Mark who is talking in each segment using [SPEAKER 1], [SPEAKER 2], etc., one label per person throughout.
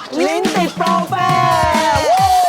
[SPEAKER 1] ลิ้นติดโปรแฟร์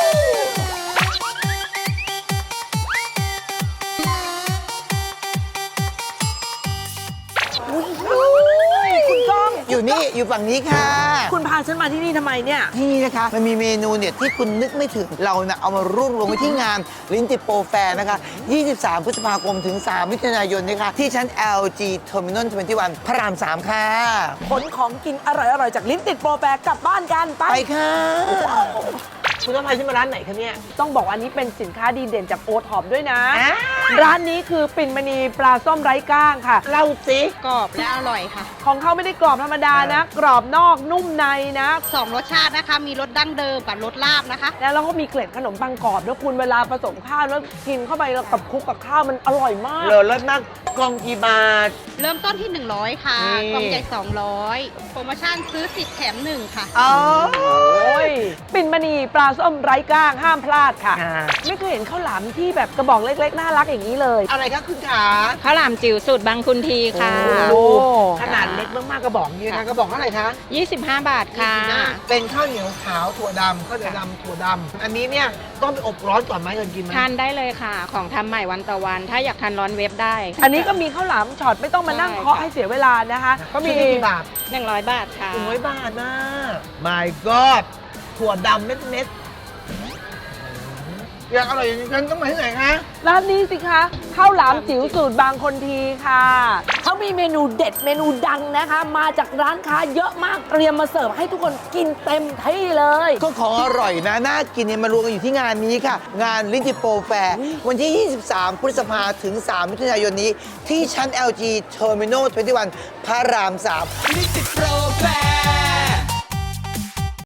[SPEAKER 1] คุณก้อง
[SPEAKER 2] อยู่นี่อยู่ฝั่งนี้ค่ะ
[SPEAKER 1] คุณพาฉันมาที่นี่ทำไมเนี่ย
[SPEAKER 2] ที่นี่นะคะมันมีเมนูเนี่ยที่คุณนึกไม่ถึงเราเนี่ยเอามารวบรวมไว้ที่งานลิ้นติดโปรแฟร์นะคะ 23 พฤษภาคมถึง 3 มิถุนายนนี้ค่ะที่ชั้น LG Terminal 21 พระราม 3 ค่ะ
[SPEAKER 1] ขนของกินอร่อยๆ จากลิ้นติดโปรแฟร์กลับบ้านกันไป
[SPEAKER 2] ไปค่ะ
[SPEAKER 1] คุณต้องพาฉันมาร้านไหนคะเนี่ย ต้องบอกว่าอันนี้เป็นสินค้าดีเด่นจากโอท็อปด้วยนะ ร้านนี้คือปิ่นมณีปลาส้มไร้ก้างค่ะ
[SPEAKER 2] เล่าสิ
[SPEAKER 3] กรอบและอร่อยค่ะ
[SPEAKER 1] ของเขาไม่ได้กรอบธรรมดานะ กรอบนอกนุ่มในนะ
[SPEAKER 3] 2 รสชาตินะคะ มีรสดั้งเดิมกับรสลาบนะคะ
[SPEAKER 1] แล้วเราก็มีเกล็ดขนมปังกรอบด้วยคุณเวลาผสมข้าวแล้วกินเข้าไปแล้วกับคลุกกับข้าวมันอร่อยมาก
[SPEAKER 2] เหลือรสมากกล่องกี่บาท
[SPEAKER 3] เริ่มต้นที่ 100 ค่ะ
[SPEAKER 2] นี่
[SPEAKER 3] กล่องใหญ่ 200 โปรโมชั่นซื้อ 10 แถม 1 ค่ะ
[SPEAKER 2] อ๋อ
[SPEAKER 1] โอ้ยปิ่นมณีปลาส้มไร้ก้างห้ามพลาดค่ะ
[SPEAKER 2] ค่ะ
[SPEAKER 1] ไม่เคยเห็นข้าวหลามที่แบบกระบอกเล็กๆน่ารักอย่างนี้เลย
[SPEAKER 2] อะไรคะคุณขา
[SPEAKER 4] ข้าวหลามจิ๋วสูตรบางคุณทีค่ะ
[SPEAKER 1] โอ้
[SPEAKER 2] ขนาดเล็กมากๆกระบอกนี้นะกระบอกเท่าไหร่คะ
[SPEAKER 4] 25 บาทค่ะ
[SPEAKER 2] เป็นข้าวเหนียวขาวถั่วดำข้าวเหนียวดำถั่วดำอันนี้เนี่ยต้องไปอบร้อนก่อนไหมก่อนกินไหม
[SPEAKER 4] ทานได้เลยค่ะ ของทำใหม่วันต่อวัน ถ้าอยากทานร้อนเวฟได้
[SPEAKER 1] อันนี้ก็มีข้าวหลามช็อตไม่ต้องมานั่ง
[SPEAKER 4] ใช่
[SPEAKER 1] เคาะ
[SPEAKER 4] ค่ะ
[SPEAKER 1] ให้เสียเวลานะคะก็มี
[SPEAKER 2] ชุดนี้กี่บาท
[SPEAKER 4] 100 บาทค่ะ
[SPEAKER 2] 100 บาทนะ My God ถั่วดำเม็ดๆอยากอร่อยอย่างนี้ต้องมาที่ไหนคะ
[SPEAKER 1] ร้านนี้สิคะข้าวหลามจิ๋วสูตรบางคนทีค่ะเขามีเมนูเด็ดเมนูดังนะคะ มาจากร้านค้าเยอะมากเตรียมมาเสิร์ฟให้ทุกคนกินเต็มที่เลย
[SPEAKER 2] ก็ของอร่อยนะ น่ากินเนี่ยมารวมกันอยู่ที่งานนี้ค่ะ งานลิ้นจิโปรแฟร์วันที่ 23 พฤษภาถึง 3 มิถุนายนนี้ ที่ชั้น LG Terminal 21 พระราม 3 ลิ้นจิโปรแฟร์